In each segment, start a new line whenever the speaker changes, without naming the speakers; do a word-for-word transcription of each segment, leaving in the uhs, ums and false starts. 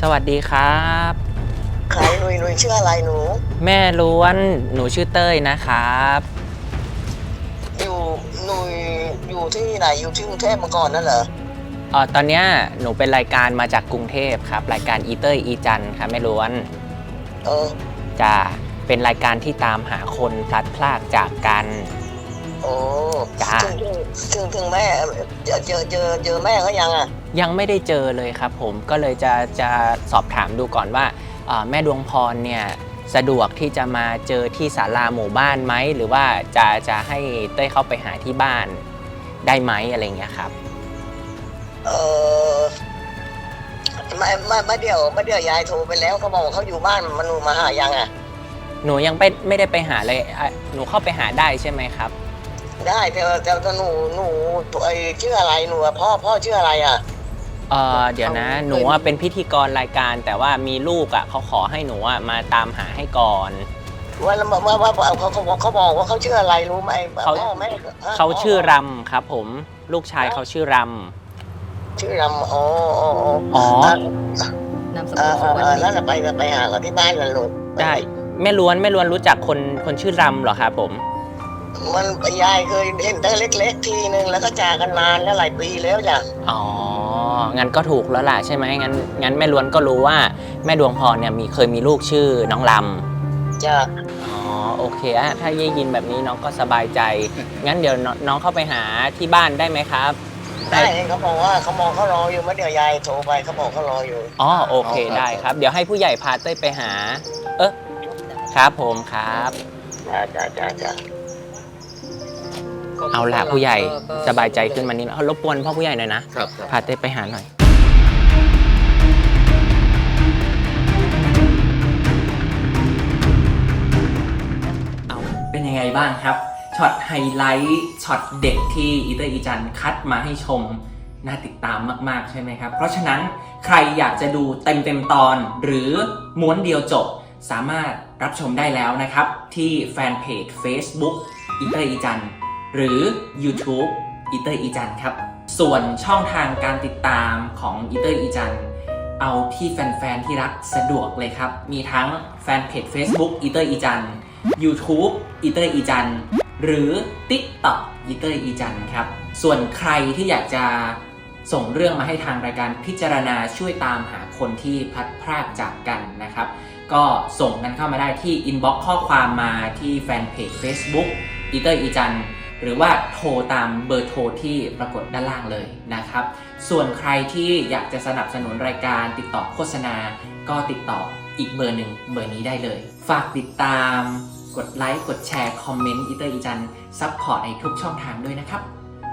สวัสดีครับ
ใครหนุยหนุยชื่ออะไรหนู
แม่ล้วนหนูชื่อเต้ยนะครับ
อยู่หนุยอยู่ที่ไหนอยู่ที่กรุงเทพมาก่อนนั่นเหรอ
อ๋อตอนเนี้ยหนูเป็นรายการมาจากกรุงเทพครับรายการอีเต้ยอีจันครับแม่ล้วน
เออ
จะเป็นรายการที่ตามหาคนพลัดพรากจากกัน
โอ้
จ้า
ถึงถึงถึงถึงแม่เจอเจอเจอเจอแม่เขายังอ่ะ
ยังไม่ได้เจอเลยครับผมก็เลยจะจะสอบถามดูก่อนว่าแม่ดวงพรเนี่ยสะดวกที่จะมาเจอที่ศาลาหมู่บ้านไหมหรือว่าจะจะให้เต้ยเข้าไปหาที่บ้านได้ไหมอะไรเงี้ยครับ
เออไม่ไม่ไม่เดี๋ยวไม่เดี๋ยวยายโทรไปแล้วเขาบอกเขาอยู่บ้านมันมาหายังอ่ะ
หนูยังไปไม่ได้ไปหาเลยหนูเข้าไปหาได้ใช่ไหมครับ
ได้แต่แต่หนูหนูไอชื่ออะไรหนูพ่อพ่อชื่ออะไรอ่ะ
เออเดี๋ยวนะหนูเป็นพิธีกรรายการแต่ว่ามีลูกอ่ะเขาขอให้หนูอ่ะมาตามหาให้ก่อน
ว่าว่าว่าเขาเขาบอกเขาบอกว่าเขาชื่ออะไรรู้ไหม
เขาเขาชื่อรำครับผมลูกชายเขาชื่อร
ำชื่อรำอ๋ออ๋อ
อ๋
อนามสกุลสุวรรณแล้วไปไปหาเขาที่บ้านกันลูก
ได้แม่ล้วนแม่ล้วนรู้จักคนคนชื่อรำเหรอครับผม
มันยายเคยเห็นตั้งเล็กๆทีนึงแล้วก็จากกันนานแล้วหลายปีแล้วจ้ะ
อ๋องั้นก็ถูกแล้วล่ะใช่ไหมงั้นงั้นแม่ล้วนก็รู้ว่าแม่ดวงพรเนี่ยมีเคยมีลูกชื่อน้องล
ำจ้ะ
อ๋อโอเคอะถ้าได้ยินแบบนี้น้องก็สบายใจงั้นเดี๋ยวน้องเข้าไปหาที่บ้านได้ไหมครับ
ได้เขาบอกว่าเขามองเขารออยู่เมื่อเดี๋ยวยายโทรไปเขาบอกเขารออยู่
อ๋อโอเคได้ครับเดี๋ยวให้ผู้ใหญ่พาเต้ยไปหาเออครับผมครับ
จ้าจ้าจ้าจ้า
เอาละผู้ใหญ่สบายใจขึ้นมานิดรบกวนพ่อผู้ใหญ่หน่อยนะพาเต้ไปหาหน่อยเอาเป็นยังไงบ้างครับช็อตไฮไลท์ช็อตเด็กที่อีเตอร์อีจันคัดมาให้ชมน่าติดตามมากๆใช่ไหมครับเพราะฉะนั้นใครอยากจะดูเต็มเต็มตอนหรือม้วนเดียวจบสามารถรับชมได้แล้วนะครับที่แฟนเพจ Facebook อีเตอร์อีจันหรือ YouTube อีเตอร์อีจันครับส่วนช่องทางการติดตามของอีเตอร์อีจันเอาที่แฟนๆที่รักสะดวกเลยครับมีทั้งแฟนเพจ Facebook อีเตอร์อีจัน YouTube อีเตอร์อีจันหรือ TikTok อีเตอร์อีจันครับส่วนใครที่อยากจะส่งเรื่องมาให้ทางรายการพิจารณาช่วยตามหาคนที่พลัดพรากจากกันนะครับก็ส่งกันเข้ามาได้ที่ inbox ข้อความมาที่แฟนเพจ Facebook อีเตอร์อีจันหรือว่าโทรตามเบอร์โทรที่ปรากฏด้านล่างเลยนะครับส่วนใครที่อยากจะสนับสนุนรายการติดต่อโฆษณาก็ติดต่ออีกเบอร์หนึ่งเบอร์นี้ได้เลยฝากติดตามกดไลค์กดแชร์คอมเมนต์อีเตอร์อีจันซัพพอร์ตในทุกช่องทางด้วยนะครับ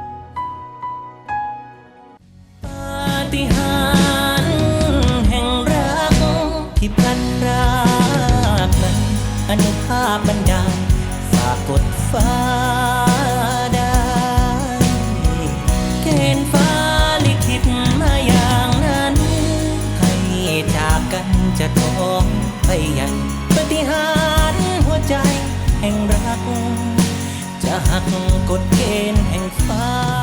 ปาฏิหาริย์แห่งรักที่พลัดพรากนั้นอนุภาพบันดาลฝากกดฟ้าได้เกณฑ์ฟ้าลิขิตมาอย่างนั้นให้จากกันจะท้องไปยังปาฏิหาริย์หัวใจแห่งรักจะหักกฎเกณฑ์แห่งฟ้า